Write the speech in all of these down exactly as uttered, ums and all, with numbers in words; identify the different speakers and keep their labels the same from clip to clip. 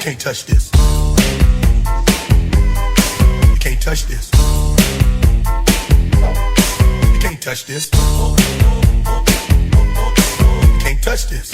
Speaker 1: can't touch this. You can't touch this. You can't touch this. You can't touch this.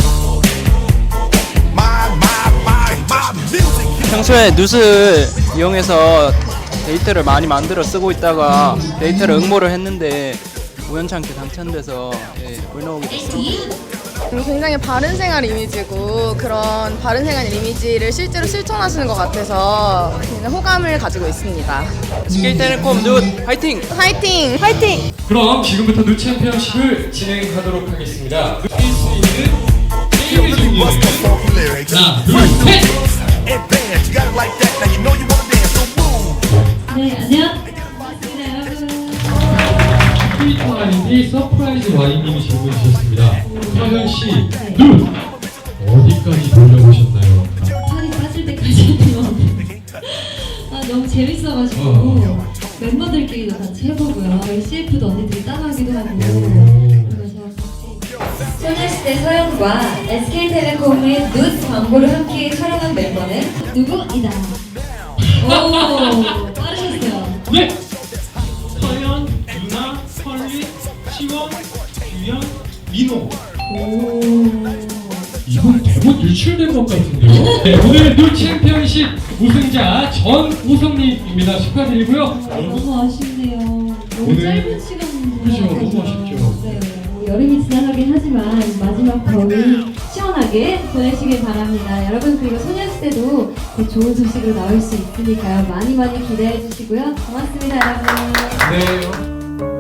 Speaker 1: My, my, my, my music.
Speaker 2: 평소에 눕을 이용해서 데이터를 많이 만들어 쓰고 있다가 데이터를 응모를 했는데 우연찮게 당첨돼서 예, 올라오게 됐습니다.
Speaker 3: 굉장히 바른생활 이미지고 그런 바른생활 이미지를 실제로 실천하시는 것 같아서 굉장히 호감을 가지고 있습니다.
Speaker 2: 에스케이텔레콤 눕 화이팅!
Speaker 3: 화이팅! 화이팅!
Speaker 4: 그럼 지금부터 누 챔피언십을 진행하도록 하겠습니다. 이길 수 있는 게임을 준비해요. 하나, 둘, 셋!
Speaker 1: Advance, you got it like that. Now you know you wanna dance, so move.
Speaker 5: 네, 안녕. 반갑습니다, 여러분.
Speaker 4: 트위터 아이디 서프라이즈 와인님이 질문 주셨습니다. 서현 씨, 누 어디까지 돌려보셨나요?
Speaker 5: 살이 빠질 때까지 했대요. 아, 너무 재밌어가지고
Speaker 4: 어.
Speaker 5: 멤버들끼리도 같이 해보고요. 씨에프도 언니들이 따라하기도 하고. 그래서
Speaker 6: 소녀시대 서현과 에스케이텔레콤의 누드 광고를 함께 촬영한 멤버는
Speaker 5: 누구이다. 오, 빠르셨어요.
Speaker 4: 네! 서현, 유나, 설리, 시원, 유연, 민호.
Speaker 5: 오.
Speaker 4: 이분 대본 유출된 것 같은데요? 네, 오늘 누 챔피언십 우승자 전우성님입니다. 축하드리고요.
Speaker 5: 너무 아쉽네요. 너무
Speaker 4: 오늘-
Speaker 5: 짧은 시간
Speaker 4: 그죠, 너무 아쉽죠.
Speaker 5: 네, 뭐 여름이 지나가긴 하지만 마지막 겨울 시원하게 보내시길 바랍니다. 여러분 그리고 소녀시대도 곧 좋은 소식으로 나올 수 있으니까요. 많이 많이 기대해 주시고요. 고맙습니다, 여러분.
Speaker 4: 네.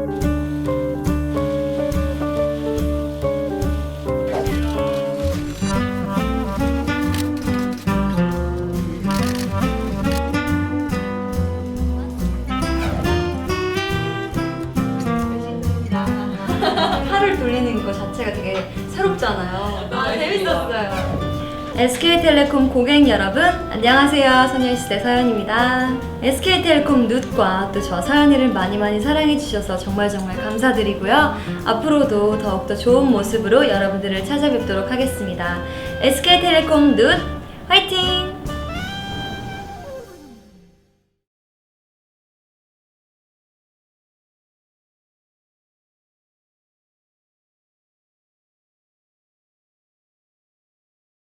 Speaker 6: 팔을 돌리는 거 자체가 되게 새롭잖아요. 아, 재밌었어요. 에스케이텔레콤 고객 여러분, 안녕하세요. 소녀시대 서연입니다. 에스케이텔레콤 누드과 또 저 서연이를 많이 많이 사랑해 주셔서 정말 정말 감사드리고요. 앞으로도 더욱더 좋은 모습으로 여러분들을 찾아뵙도록 하겠습니다. 에스케이텔레콤 누드 화이팅!